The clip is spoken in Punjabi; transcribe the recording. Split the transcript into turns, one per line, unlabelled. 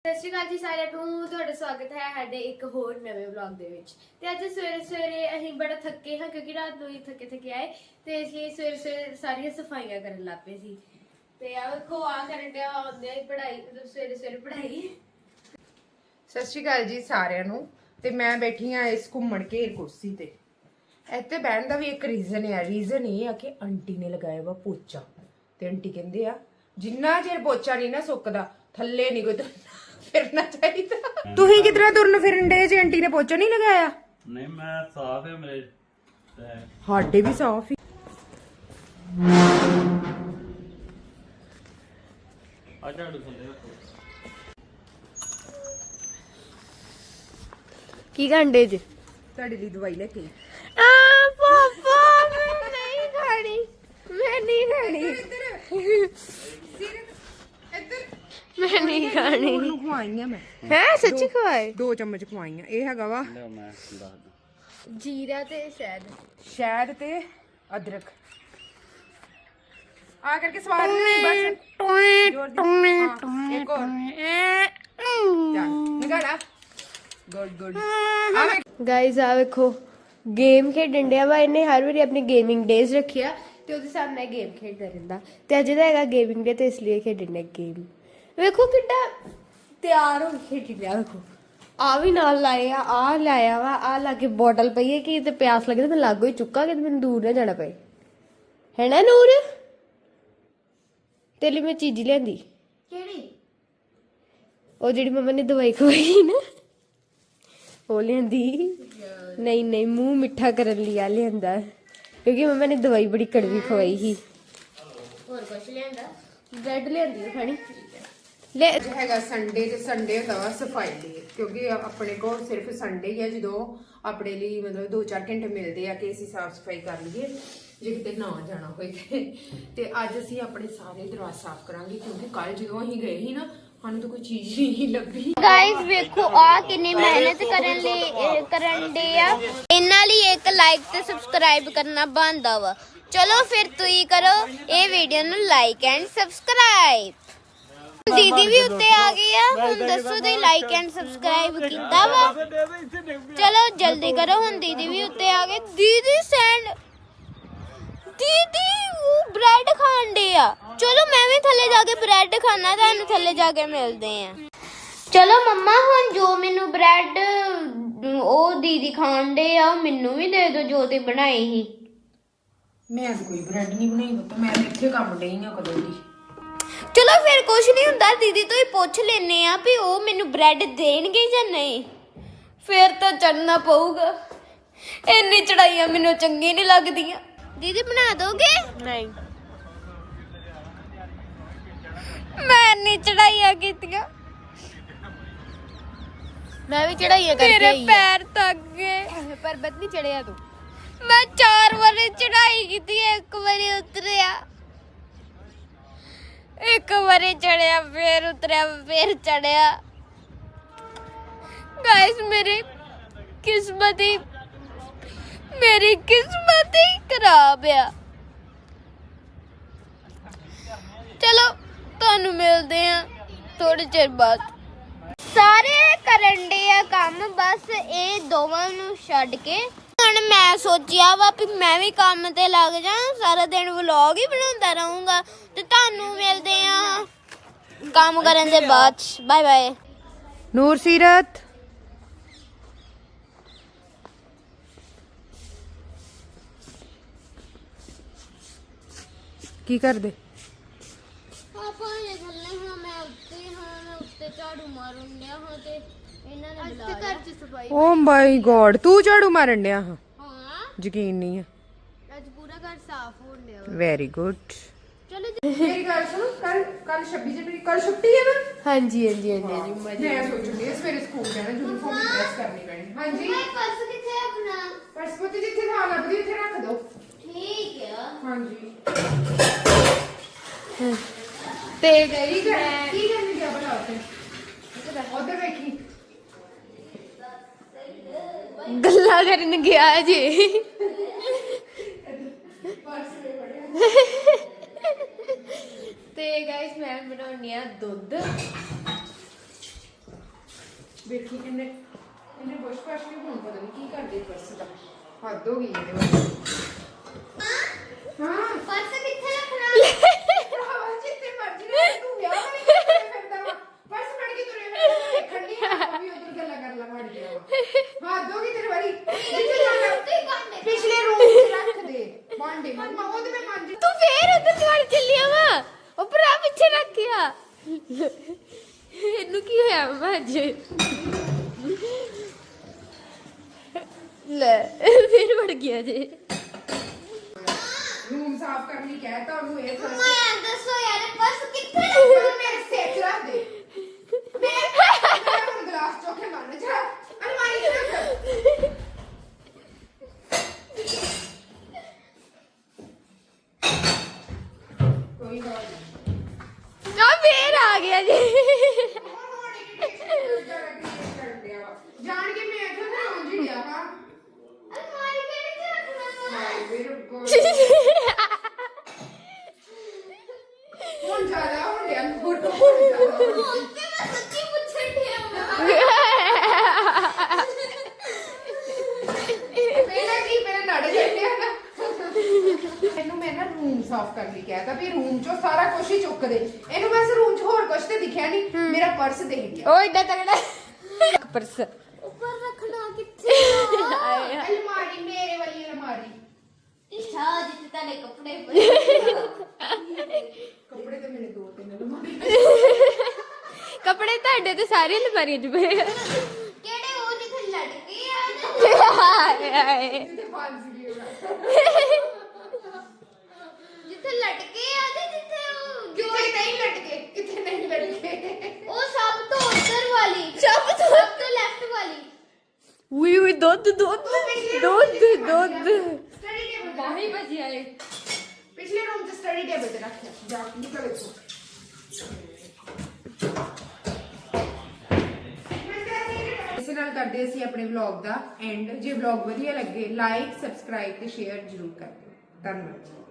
ਸਤਿ ਸ਼੍ਰੀ ਅਕਾਲ ਜੀ ਸਾਰਿਆਂ ਨੂੰ, ਤੁਹਾਡਾ ਸਵਾਗਤ ਹੈ ਸਾਡੇ ਇੱਕ ਹੋਰ ਨਵੇਂ ਵਲੌਗ ਦੇ ਵਿੱਚ। ਤੇ ਅੱਜ ਸਵੇਰੇ ਸਵੇਰੇ ਅਸੀਂ ਬੜਾ ਥੱਕੇ ਹਾਂ ਕਿਉਂਕਿ ਰਾਤ ਨੂੰ ਹੀ ਥੱਕੇ ਆਏ ਤੇ ਇਸ ਲਈ ਸਵੇਰੇ ਸਵੇਰੇ ਸਾਰੀਆਂ ਸਫਾਈਆਂ ਕਰਨ ਲੱਗ ਪਏ ਸੀ। ਤੇ ਆ ਵੇਖੋ ਆ ਕਰਨ ਡਿਆ ਆਉਂਦੇ ਹੀ ਪੜ੍ਹਾਈ, ਮਤਲਬ ਸਵੇਰੇ ਸਵੇਰੇ ਪੜ੍ਹਾਈ।
ਸਤਿ ਸ਼੍ਰੀ ਅਕਾਲ ਜੀ ਸਾਰਿਆਂ ਨੂੰ। ਤੇ ਮੈਂ ਬੈਠੀ ਆ ਇਸ ਘੁੰਮਣ ਘੇਰ ਕੁਰਸੀ ਤੇ। ਇੱਥੇ ਬਹਿਣ ਦਾ ਵੀ ਇੱਕ ਰੀਜ਼ਨ ਇਹ ਆ ਕਿ ਆਂਟੀ ਨੇ ਲਗਾਇਆ ਵਾ ਪੋਚਾ। ਤੇ ਆਂਟੀ ਕਹਿੰਦੇ ਆ ਜਿੰਨਾ ਚਿਰ ਪੋਚਾ ਨਹੀਂ ਨਾ ਸੁੱਕਦਾ ਥੱਲੇ ਨਹੀਂ ਕੋਈ ਫਿਰਨਾ ਚਾਹੀਦਾ। ਤੁਸੀਂ ਕਿਧਰਾਂ ਤੁਰਨ ਫਿਰਨ ਡੇ ਜੇ ਆਂਟੀ ਨੇ ਪੋਚਾ ਨਹੀਂ ਲਗਾਇਆ?
ਨਹੀਂ ਮੈਂ ਸਾਫ ਹੈ ਮੇਰੇ
ਸਾਡੇ ਵੀ ਸਾਫ ਹੀ।
ਆ ਝਾੜੂ ਥੱਲੇ ਰੱਖੋ।
ਕੀ ਘੰਟੇ ਚ
ਤੁਹਾਡੇ ਲਈ ਦਵਾਈ ਲੈ ਕੇ
ਪਾਪਾ ਮੈਂ ਨਹੀਂ ਖਾਣੀ, ਮੈਂ ਨਹੀਂ ਖਾਣੀ, ਮੈਂ ਨਹੀਂ ਖਾਣੀ।
ਉਹਨੂੰ ਖਵਾਈਆਂ ਮੈਂ
ਹੈ ਸੱਚੀ ਖਵਾਏ
2 ਚਮਚ ਖਵਾਈਆਂ। ਇਹ ਹੈਗਾ ਵਾ
ਲਿਓ ਮੈਂ ਦੱਸਦਾ।
ਜੀਰਾ ਤੇ
ਸ਼ਹਿਦ ਤੇ ਅਦਰਕ ਆ ਕਰਕੇ ਸਵਾਦ ਨਹੀਂ ਬਸ ਜ਼ੋਰ ਦੀ। ਹਾਂ, ਇੱਕ ਹੋਰ ਚੱਲ ਨਿਕਾਲਾ। ਗੁੱਡ
ਗਾਇਜ਼ ਆ ਵੇਖੋ ਗੇਮ ਖੇਡਣ ਡਿਆ ਵਾ। ਇਹਨੇ ਹਰ ਵਾਰੀ ਆਪਣੀ ਗੇਮਿੰਗ ਡੇਜ਼ ਰੱਖਿਆ ਤੇ ਉਹਦੇ ਸਾਹਮਣੇ ਗੇਮ ਖੇਡਦਾ ਰਹਿੰਦਾ ਤੇ ਅੱਜ ਦਾ ਹੈਗਾ ਗੇਮਿੰਗ ਡੇ ਤੇ ਇਸ ਲਈ ਖੇਡਣ ਡਿਆ ਗੇਮ। ਵੇਖੋ ਕਿੱਡਾ ਤਿਆਰ ਹੋ ਕੇ ਖੇਡੀ ਲਿਆ। ਵੇਖੋ ਆ ਵੀ ਨਾਲ ਲਾਏ ਆ ਲਾਇਆ ਵਾ, ਆ ਲਾ ਕੇ ਬੋਟਲ ਪਈ ਹੈ ਕਿ ਤੇ ਪਿਆਸ ਲੱਗੇ ਤੇ ਮੈਂ ਲਾਗੋ ਹੀ ਚੁੱਕਾ ਕਿ ਮੈਨੂੰ ਦੂਰ ਨਾ ਜਾਣਾ ਪਏ, ਹੈ ਨਾ ਨੂਰ? ਤੇਰੇ ਲਈ ਮੈਂ ਚੀਜ਼ ਲਿਆਂਦੀ। ਕਿਹੜੀ? ਉਹ ਜਿਹੜੀ ਮੰਮਾ ਨੇ ਦਵਾਈ ਖਵਾਈ ਨਾ ਉਹ ਲਿਆਂਦੀ। ਨਹੀਂ ਮੂੰਹ ਮਿੱਠਾ ਕਰਨ ਲਈ ਆ ਲਿਆਂਦਾ ਕਿਉਂਕਿ ਮੰਮਾ ਨੇ ਦਵਾਈ ਬੜੀ ਕੜਵੀ ਖਵਾਈ ਸੀ। ਹੋਰ ਕੁਝ ਲਿਆਂਦਾ? ਬ੍ਰੈਡ ਲਿਆਂਦੀ ਖਾਣੀ ਲੈ।
ਹੈਗਾ ਸੰਡੇ ਤੇ ਸੰਡੇ ਹੁੰਦਾ ਵਾ ਸਫਾਈ ਲਈ, ਕਿਉਂਕਿ ਆਪਣੇ ਕੋਲ ਸਿਰਫ ਸੰਡੇ ਹੀ ਆ ਜਦੋਂ ਆਪਣੇ ਲਈ ਮਤਲਬ 2-4 ਘੰਟੇ ਮਿਲਦੇ ਆ ਕਿ ਅਸੀਂ ਸਾਫ ਸਫਾਈ ਕਰ ਲਈਏ ਜੇ ਕਿਤੇ ਨਾ ਜਾਣਾ ਹੋਏ ਤੇ ਅੱਜ ਅਸੀਂ ਆਪਣੇ ਸਾਰੇ ਦਰਵਾਜ਼ੇ ਸਾਫ ਕਰਾਂਗੇ ਕਿਉਂਕਿ ਕੱਲ ਜਦੋਂ ਅਸੀਂ ਗਏ ਸੀ ਨਾ ਸਾਨੂੰ ਤਾਂ ਕੋਈ ਚੀਜ਼ ਨਹੀਂ ਲੱਭੀ।
ਗਾਇਸ ਵੇਖੋ ਆ ਕਿੰਨੀ ਮਿਹਨਤ ਕਰਨ ਦੇ ਆ। ਇਹਨਾਂ ਲਈ ਇੱਕ ਲਾਈਕ ਤੇ ਸਬਸਕ੍ਰਾਈਬ ਕਰਨਾ ਬਣਦਾ ਵਾ। ਚਲੋ ਫਿਰ ਤੁਸੀਂ ਕਰੋ ਇਹ ਵੀਡੀਓ ਨੂੰ ਲਾਈਕ ਐਂਡ ਸਬਸਕ੍ਰਾਈਬ। ਦੀਦੀ ਵੀ ਉੱਤੇ ਆ ਗਈ ਆ। ਹੁਣ ਦੱਸੋ ਤੁਸੀਂ ਲਾਈਕ ਐਂਡ ਸਬਸਕ੍ਰਾਈਬ ਕੀਤਾ ਵਾ? ਚਲੋ ਜਲਦੀ ਕਰੋ। ਹੁਣ ਦੀਦੀ ਵੀ ਉੱਤੇ ਆ ਗਏ। ਦੀਦੀ ਉਹ ਬ੍ਰੈਡ ਖਾਣ ਦੇ ਆ। ਚਲੋ ਮੈਂ ਵੀ ਥੱਲੇ ਜਾ ਕੇ ਬ੍ਰੈਡ ਖਾਣਾ, ਤੁਹਾਨੂੰ ਥੱਲੇ ਜਾ ਕੇ ਮਿਲਦੇ ਆ। ਚਲੋ ਮੰਮਾ ਹੁਣ ਜੋ ਮੈਨੂੰ ਬ੍ਰੈਡ ਉਹ ਦੀਦੀ ਖਾਣ ਦੇ ਆ ਮੈਨੂੰ ਵੀ ਦੇ ਦਿਓ ਜੋ ਤੇ ਬਣਾਈ ਸੀ।
ਮੈਂ ਅੱਜ ਕੋਈ ਬ੍ਰੈਡ ਨਹੀਂ ਬਣਾਈ ਪੁੱਤ, ਮੈਂ ਤਾਂ ਇੱਥੇ ਕੰਮ ਡਈ ਆ ਕਦੋਂ ਦੀ।
ਚਲੋ ਫਿਰ ਕੁਛ ਨਹੀਂ ਹੁੰਦਾ, ਦੀਦੀ ਤੋਂ ਹੀ ਪੁੱਛ ਲੈਨੇ ਆ ਵੀ ਉਹ ਮੈਨੂੰ ਬ੍ਰੈਡ ਦੇਣਗੇ ਜਾਂ ਨਹੀਂ। ਫਿਰ ਤਾਂ ਚੜਨਾ ਪਊਗਾ। ਇੰਨੀ ਚੜਾਈਆਂ ਮੈਨੂੰ ਚੰਗੀ ਨਹੀਂ ਲੱਗਦੀਆਂ। ਦੀਦੀ ਬਣਾ ਦੋਗੇ?
ਨਹੀਂ
ਮੈਂ ਇੰਨੀ ਚੜਾਈਆਂ ਕੀਤੀਆਂ
ਮੈਂ ਵੀ ਚੜਾਈਆਂ ਕਰਕੇ
ਮੇਰੇ
ਆਈ
ਪੈਰ ਥੱਕ ਗਏ।
ਪਰਬਤ ਨਹੀਂ ਚੜਿਆ ਤੂੰ?
ਮੈਂ 4 ਵਾਰੀ ਚੜਾਈ ਕੀਤੀ, ਇੱਕ ਵਾਰੀ ਉਤਰਿਆ, ਇੱਕ ਵਾਰੀ ਚੜਿਆ, ਫੇਰ ਉਤਰਿਆ, ਫੇਰ ਚੜਿਆ। ਗਾਇਸ ਮੇਰੀ ਕਿਸਮਤ ਹੀ ਖਰਾਬ ਆ। ਚਲੋ ਤੁਹਾਨੂੰ ਮਿਲਦੇ ਆ ਥੋੜੇ ਚਿਰ ਬਾਅਦ। ਸਾਰੇ ਕਰਨ ਦੇ ਆ ਕੰਮ ਬਸ ਇਹ ਦੋਵਾਂ ਨੂੰ ਛੱਡ ਕੇ। ਹੁਣ ਮੈਂ ਸੋਚਿਆ ਵਾ ਵੀ ਮੈਂ ਵੀ ਕੰਮ ਤੇ ਲੱਗ ਜਾ, ਸਾਰਾ ਦਿਨ ਵਲੌਗ ਹੀ ਬਣਾਉਂਦਾ ਰਹੂੰਗਾ ਤੇ ਤੁਹਾਨੂੰ ਮਿਲਦੇ ਆ ਕੰਮ ਕਰਨ ਦੇ ਬਾਅਦ। Bye bye.
ਨੂਰ ਸੀਰਤ ਕੀ ਕਰਦੇ?
ਪਾਪਾ ਇਹ ਥੱਲੇ ਹਾਂ, ਮੈਂ ਉੱਤੇ ਝਾੜੂ ਮਾਰਨ ਡਿਆ ਹਾਂ ਤੇ ਇਹਨਾਂ ਨੇ ਬੁਲਾਇਆ।
ਘਰ ਚ ਸਫਾਈ
ਓ ਮਾਈ ਗॉड ਤੂੰ ਝਾੜੂ ਮਾਰਨ ਡਿਆ ਹਾਂ?
ਹਾਂ
ਯਕੀਨ ਨਹੀਂ ਹੈ।
ਅੱਜ ਪੂਰਾ ਘਰ ਸਾਫ਼ ਹੋਣ ਡਿਆ ਵਾ।
Very good.
ਚਲੋ
ਮੇਰੀ ਗੱਲ ਸੁਣ, ਕੱਲ 26 ਜਨਵਰੀ ਕੱਲ ਛੁੱਟੀ ਹੈ ਨਾ?
ਹਾਂਜੀ ਮਜ਼ਾ।
ਮੈਂ ਸੋਚੂਗੀ ਸਵੇਰੇ ਸਕੂਲ ਜਾਣਾ, ਯੂਨੀਫਾਰਮ ਪ੍ਰੈਸ ਕਰਨੀ ਪੈਣੀ। ਹਾਂਜੀ
ਪਰਸ ਕਿੱਥੇ ਆਪਣਾ?
ਪਰਸ ਪੁੱਤ ਜਿੱਥੇ ਥਾਂ ਲੱਭਦੀ ਉੱਥੇ ਰੱਖ ਦੋ।
ਠੀਕ ਆ।
ਹਾਂਜੀ
ਤੇ
ਕੀ ਕਰਨੀ ਗਿਆ ਬਣਾ ਉੱਥੇ ਉਧਰ ਵੇਖੀ।
ਗੱਲਾਂ ਕਰਨ ਗਿਆ ਜੇ। ਤੇ ਗਾਇਸ ਮੈਂ ਬਣਾਉਣੀ ਆ ਦੁੱਧ
ਵੇਖੀ ਇਹਨੇ ਬੁਸ਼ ਪਾਸ਼ ਕੇ ਹੁਣ ਪਤਾ ਨਹੀਂ ਕੀ ਕਰਦੇ ਪਰਸ ਦਾ ਹੱਦ ਹੋ ਗਈ ਇਹਦੇ ਵੱਲ ਹਾਂ
ਪਰਸ ਕਿੱਥੇ ਰੱਖਣਾ
ਭਰਾਵਾ ਜਿੱਥੇ ਮਰਜ਼ੀ ਰਹਿ ਤੂੰ ਵਿਆਹ ਵਾਲੀ ਕਿੱਥੇ ਫਿਰਦਾ ਵਾ ਪਰਸ ਫੜ ਕੇ ਤੁਰੇ ਫਿਰਦਾ ਦੇਖਣ ਨਹੀਂ ਆ ਵੀ ਉਧਰ ਗੱਲਾਂ ਕਰ ਲਾ ਮੜ ਗਿਆ ਵਾ ਹੱਦ ਹੋ ਗਈ ਤੇਰੇ ਵਾਰੀ ਕਿੱਥੇ ਜਾਣਾ ਪਿਛਲੇ ਰੂਮ 'ਚ ਰੱਖ ਦੇ ਭਾਂਡੇ ਮੰਮਾ ਉਹ ਤੇ ਮੈਂ ਮੰਨ
ਤੂੰ ਫੇਰ ਉਧਰ ਵੜ ਚੱਲਿਆ ਵਾ ਉਹ ਭਰਾ ਪਿੱਛੇ ਰੱਖਿਆ ਇਹਨੂੰ ਕੀ ਹੋਇਆ ਵਾ ਅੱਜ ਲੈ ਫੇਰ ਵੜ ਗਿਆ ਜੇ
ਰੂਮ ਸਾਫ਼ ਕਰਨ ਲਈ ਕਹਿਤਾ ਉਹਨੂੰ ਇਹ ਫਰਸ
ਮੈਂ ਦੱਸੋ ਯਾਰ ਪਰਸ ਕਿੱਥੇ
ਉਹ ਮੇਰੇ ਸਿਰ 'ਚ ਰੱਖ ਦੇ ਮੈਂ ਹੁਣ ਗਲਾਸ ਚੋਕੇ ਮਾਰਨ ਜਾ ਅਲਮਾਰੀ 'ਚ ਰੱਖ ਕੋਈ ਗੱਲ ਨਹੀਂ
ਆ ਫੇਰ ਆ ਗਿਆ ਜੇ
ਜਾਣ ਕੇ ਮੈਂ ਇੱਥੇ ਨਾ ਉਂਝ ਹੀ ਗਿਆ ਹਾਂ
ਅਲਮਾਰੀ ਕਿਹੜੇ ਚ ਰੱਖਣਾ
ਹਾਏ ਮੇਰੇ ਕੋਲ ਹੁਣ ਜ਼ਿਆਦਾ ਹੋ ਗਿਆ ਫੋਟੋ
ਹੁਣ ਤੇ ਮੈਂ ਸੱਚੀ ਪੁੱਛਣ ਡਿਆ
ਪਹਿਲਾਂ ਕੀ ਮੇਰੇ ਨੜ ਜਾਂਦੇ ਨਾ ਇਹਨੂੰ ਮੈਂ ਨਾ ਰੂਮ ਸਾਫ਼ ਕਰਨ ਲਈ ਕਿਹਾ ਤਾਂ ਵੀ ਰੂਮ ਚੋਂ ਸਾਰਾ ਕੁਝ ਹੀ ਚੁੱਕ ਦੇ ਇਹਨੂੰ ਬਸ ਰੂਮ 'ਚ ਹੋਰ ਕੁਝ ਤੇ ਦਿਖਿਆ ਨਹੀਂ ਮੇਰਾ ਪਰਸ ਦੇਖ ਗਿਆ
ਉਹ ਏਡਾ ਤਗੜਾ ਪਰਸ
ਉੱਪਰ ਰੱਖਣਾ ਕਿੱਥੇ
ਅਲਮਾਰੀ ਮੇਰੇ ਵਾਲੀ ਅਲਮਾਰੀ
ਇੱਛਾ ਜਿੱਥੇ ਤਾਨੇ ਕੱਪੜੇ ਪਏ
ਕੱਪੜੇ ਤੇ ਮੇਰੇ ਦੋ ਤਿੰਨ ਅਲਮਾਰੀ
ਕੱਪੜੇ ਤੁਹਾਡੇ ਤੇ ਸਾਰੇ ਅਲਮਾਰੀਆਂ 'ਚ ਪਏ ਆ
ਕਿਹੜੇ ਉਹ ਜਿੱਥੇ ਲਟਕੇ ਆ
ਹਾਏ ਹਾਏ
ਜਿੱਥੇ ਫਾਂਸੀ ਗਈ
ਜਿੱਥੇ ਲਟਕੇ ਆ ਤੇ ਜਿੱਥੇ ਉਹ
ਕਿੱਥੇ ਨਹੀਂ ਲਟਕੇ ਕਿੱਥੇ ਨਹੀਂ ਲਟਕੇ
ਉਹ ਸਭ ਤੋਂ ਉੱਤਰ ਵਾਲੀ ਸਭ ਤੋਂ ਲੈਫਟ ਵਾਲੀ
ਉਈ ਉਈ ਦੁੱਧ ਦੁੱਧ ਦੁੱਧ ਦੁੱਧ
ਸਟੱਡੀ ਟੇਬਲ
ਬਾਹੀ ਵਜਿਆ ਏ
ਪਿਛਲੇ ਰੂਮ 'ਚ ਸਟੱਡੀ ਟੇਬਲ ਤੇ ਰੱਖਿਆ ਜਾ ਨਿਕਲ ਇੱਥੋਂ ਇਸੇ ਨਾਲ ਕਰਦੇ ਅਸੀਂ ਆਪਣੇ ਵਲੌਗ ਦਾ ਐਂਡ ਜੇ ਵਲੌਗ ਵਧੀਆ ਲੱਗੇ ਲਾਈਕ ਸਬਸਕ੍ਰਾਈਬ ਤੇ ਸ਼ੇਅਰ ਜ਼ਰੂਰ ਕਰ ਦਿਓ ਧੰਨਵਾਦ